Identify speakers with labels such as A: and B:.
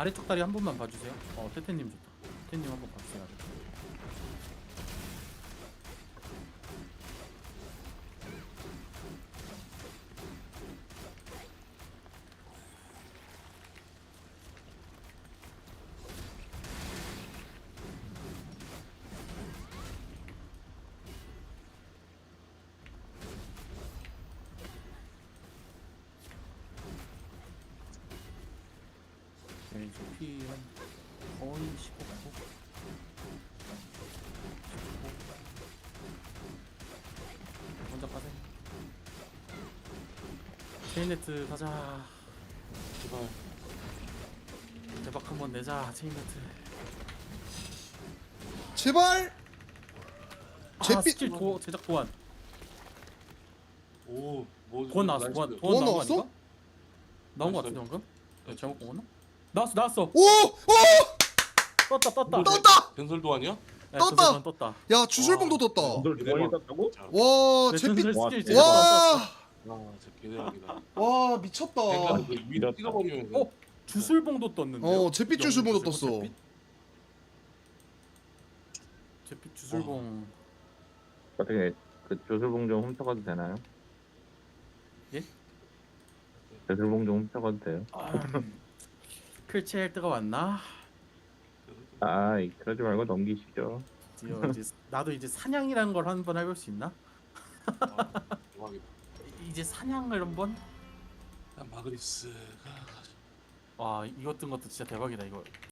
A: 아래쪽 다리 한 번만 봐주세요. 태태님 좋다. 태태님 한 번 봐주세요. 왼쪽 피한 거의 15고 먼저 가세요. 체인네트 가자. 제발 대박 한번 내자. 체인네트.
B: 제발. 잿빛
A: 스킬 제작 보안.
C: 오, 뭐
A: 보안 나왔어.
C: 나이스.
A: 보안
B: 보안
A: 나온 거
B: 나왔어?
A: 아닌가? 나온 거
C: 나이스.
A: 같은데 방금? 잘못 본 거나? 나왔어.
B: 오! 오!
A: 떴다.
B: 떴다!
C: 전설도 아니야?
A: 야,
B: 떴다!
A: 전설은 떴다.
B: 야, 주술봉도 떴다.
D: 널 두번이 땄다고?
C: 자,
B: 와,
A: 내
B: 잿빛.
A: 전설 스킬
D: 와,
A: 제작 떴어.
B: 와.
C: 진짜 개대박이다.
B: 와, 미쳤다.
C: 그러니까 그 위로 찍어버리면
A: 어? 주술봉도 떴는데.
B: 잿빛 주술봉도 떴어.
A: 잿빛 주술봉.
D: 어떻게 그 조술봉 좀 훔쳐가도 되나요?
A: 예?
D: 조술봉 좀 훔쳐가도 돼요?
A: 클체일 때가 왔나?
D: 아, 그러지 말고 넘기시죠.
A: 드디어 이제 나도 이제 사냥이라는 걸 한번 해볼 수 있나?
C: 대박이다.
A: 이제 사냥을 한번?
C: 마그리스가
A: 와 이것 뜬 것도 진짜 대박이다 이거.